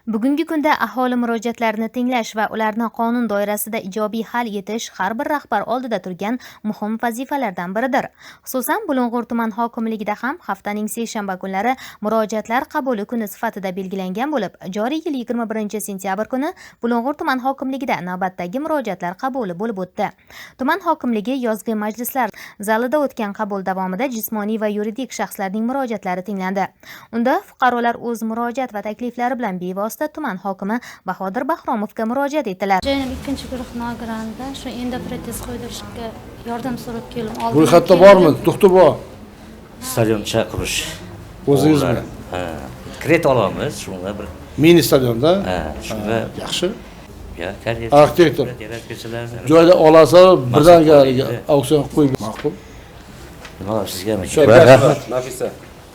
Bugungi kunda aholi murojaatlarini tinglash va ularni qonun doirasida ijobiy hal etish har bir rahbar oldida turgan muhim vazifalardan biridir. Xususan, Bulung'ur tuman hokimligida ham haftaning seshanba kunlari murojaatlar qabuli kuni sifatida belgilangan bo'lib, joriy yil 21 sentyabr kuni Bulung'ur tuman hokimligida navbatdagi murojaatlar qabuli bo'lib o'tdi. Tuman hokimligi yozgi majlislar zalida o'tgan qabul davomida jismoniy va yuridik shaxslarning murojaatlari tinglandi. Unda fuqarolar o'z murojaat va takliflari bilan bevosita tuman hokimi Bahodir Bahromovga murojaat etdilar. Joyning ikkinchi guruh nogironida shu endi protez qo'ydirishga yordam so'rab keldim. Ro'yxatda bormi? To'xtab bor. Stadioncha qurish. O'zingizmi? Ha. Kredit olamiz, shunga bir Mini stadionda. ha, shunga Yaxshi. ya karyer. Arxitektor. Yaratuvchilar. Joyda olasa birdaniga auksion qo'yib ma'qul. Nima sizgami? Rahmat. Nafisa.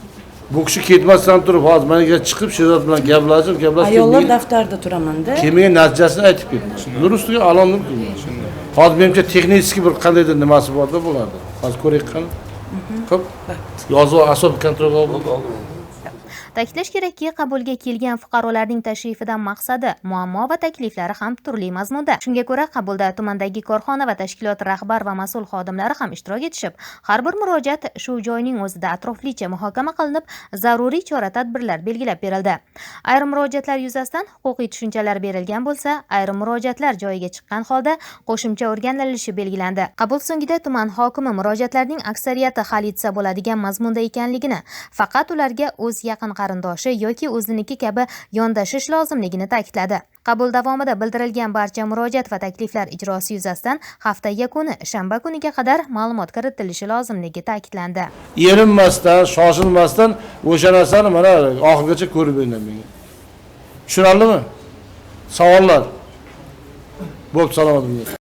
Bu kishi ketmasdan turib, hozir menga chiqib, Sherzod bilan gaplashib, ayollar daftarida turaman-da. Kelmaga natijasini aytib ketdi. Nur ustiga alomni qildi. Hozir menimcha texnik bir qandaydir nimasi bor-da bo'lardi. Hozir ko'raylik qani. Xo'p. Yozuv asob kontrolga oldi. Ta'kidlash kerakki, qabulga kelgan fuqarolarning tashrifidan maqsadi, muammo va takliflari ham turli mazmunda. Shunga ko'ra, qabulda tumandagi korxona va tashkilot rahbar va mas'ul xodimlari ham ishtirok etishib, har bir murojaat shu joyning o'zida atroflicha muhokama qilinib, zaruriy chora-tadbirlar belgilab berildi. Ayrim murojaatlar yuzasidan huquqiy tushunchalar berilgan bo'lsa, ayrim murojaatlar joyiga chiqqan holda qo'shimcha o'rganilishi belgilandi. Qabul so'ngida tuman hokimi murojaatlarning aksariyati hal etsa bo'ladigan mazmunda ekanligini, faqat ularga o'z yaqin qarindoshi yoki o'ziniki kabi yondashish lozimligini ta'kidladi. Qabul davomida bildirilgan barcha murojaat va takliflar ijrosi yuzasidan hafta yakuni shanba kuniga qadar ma'lumot kiritilishi lozimligi ta'kidlandi. Erinmasdan, shoshilmasdan o'sha narsani mana oxirigacha ko'rib beringlar menga. Tushunarlimi? Savollar. Bo'pti, salomat bo'ling.